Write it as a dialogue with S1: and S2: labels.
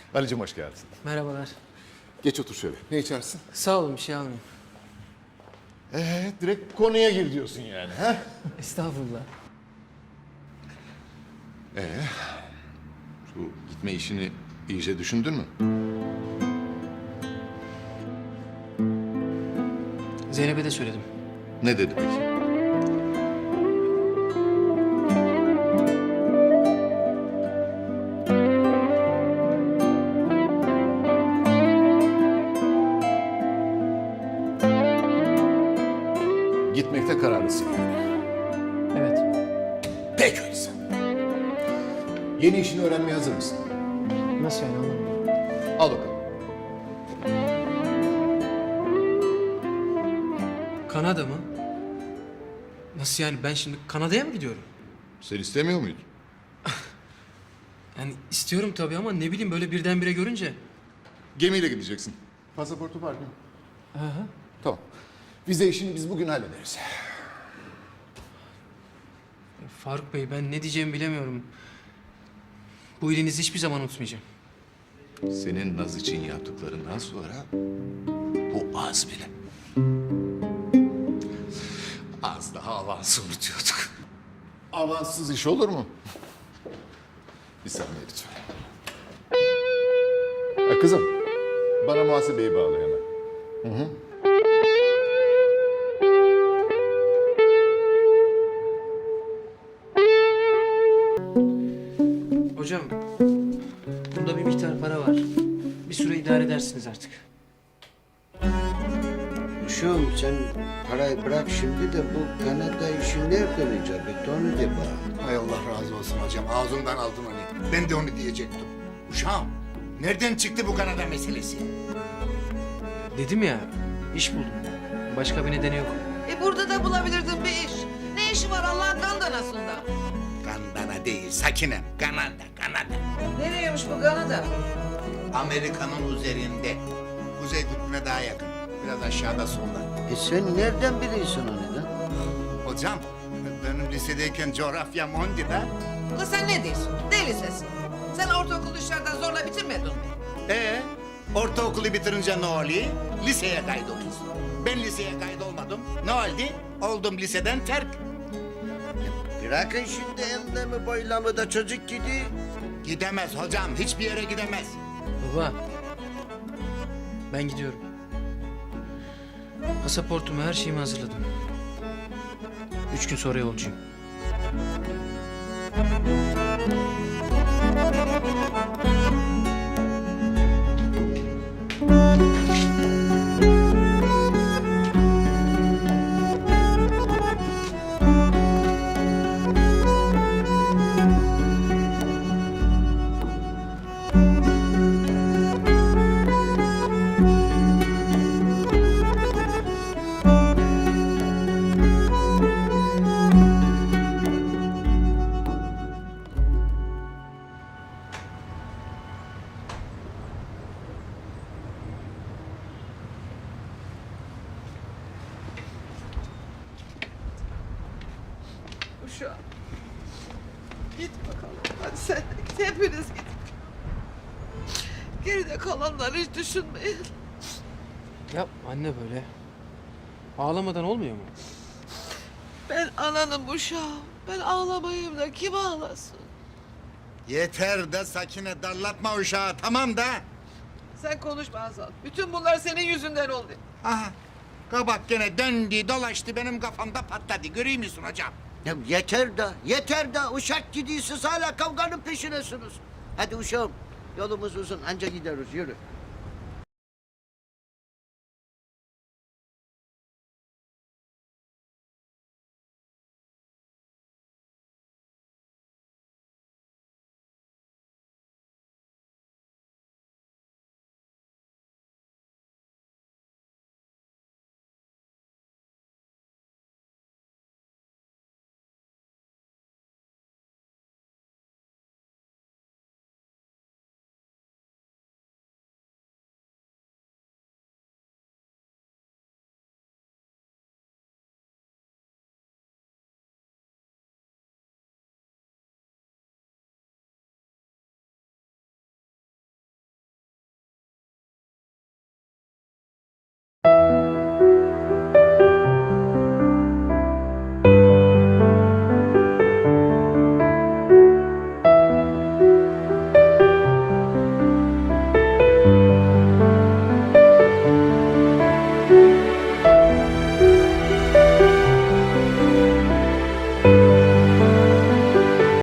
S1: Ali'cim hoş geldin.
S2: Merhabalar.
S1: Geç otur şöyle. Ne içersin?
S2: Sağ olun, bir şey almayayım.
S1: Direkt konuya gir diyorsun yani. Ha?
S2: Estağfurullah.
S1: Şu gitme işini iyice düşündün mü?
S2: Zeynep'e de söyledim.
S1: Ne dedi peki? Gitmekte kararlısın yani.
S2: Evet.
S1: Peki öyleyse. Yeni işini öğrenmeye hazır mısın?
S2: Nasıl yani, anlamadım.
S1: Al bakalım.
S2: Kanada mı? Nasıl yani, ben şimdi Kanada'ya mı gidiyorum?
S1: Sen istemiyor muydun?
S2: Yani istiyorum tabii ama ne bileyim, böyle birdenbire görünce.
S1: Gemiyle gideceksin. Pasaportu var değil mi?
S2: Hı.
S1: Tamam. Vize işini biz bugün hallederiz.
S2: Faruk Bey, ben ne diyeceğimi bilemiyorum. Bu iyiliğinizi hiçbir zaman unutmayacağım.
S1: Senin Naz için yaptıklarından sonra bu az bile. Az daha avansı unutuyorduk. Avanssız iş olur mu? Bir saniye lütfen. Ha, kızım, bana muhasebeyi bağla hemen.
S2: Hocam, bunda bir miktar para var. Bir süre idare edersiniz artık.
S3: Uşağım sen parayı bırak şimdi de bu Kanada işi nereden icap etti onu de bana.
S4: Hay Allah razı olsun hocam. Ağzımdan aldın onu. Ben de onu diyecektim. Uşağım, nereden çıktı bu Kanada meselesi?
S2: Dedim ya, iş buldum. Başka bir nedeni yok.
S5: Burada da bulabilirdin bir iş. Ne işi var Allah'ın kandanasında?
S4: Kanada değil, Sakinem. Kanada.
S5: Nereymiş bu Kanada?
S4: Amerika'nın üzerinde. Kuzey kutbuna daha yakın. Biraz aşağıda solda.
S3: Sen nereden biliyorsun onu da?
S4: Hocam, benim lisedeyken coğrafyam ondu da.
S5: Kız sen ne diyorsun? Deli sesin. Sen ortaokul dışarıdan zorla bitirmedin mi?
S4: Ortaokulu bitirince ne oluyor? Liseye kaydoluyorsun. Ben liseye kaydolmadım. Ne oldu? Oldum liseden terk.
S3: Bırakın şimdi enlemi boylamı da çocuk gidiyor.
S4: Gidemez hocam, hiçbir yere gidemez.
S2: Baba, ben gidiyorum. Pasaportumu, her şeyimi hazırladım. 3 gün sonra yolcuyum.
S5: Uşağım. Git bakalım. Hadi sen de git. Hepiniz gidin. Geride kalanları hiç düşünmeyin.
S2: Ya anne, böyle ağlamadan olmuyor mu?
S5: Ben ananım uşağım. Ben ağlamayayım da kim ağlasın?
S4: Yeter de Sakine, darlatma uşağı, tamam da.
S5: Sen konuşma Hazal. Bütün bunlar senin yüzünden oldu.
S4: Aha, kabak gene döndü dolaştı benim kafamda patladı. Görüyor musun hocam?
S3: Ya yeter da uşak gidiyorsunuz hala kavganın peşinesiniz. Hadi uşağım yolumuz uzun anca gideriz yürü.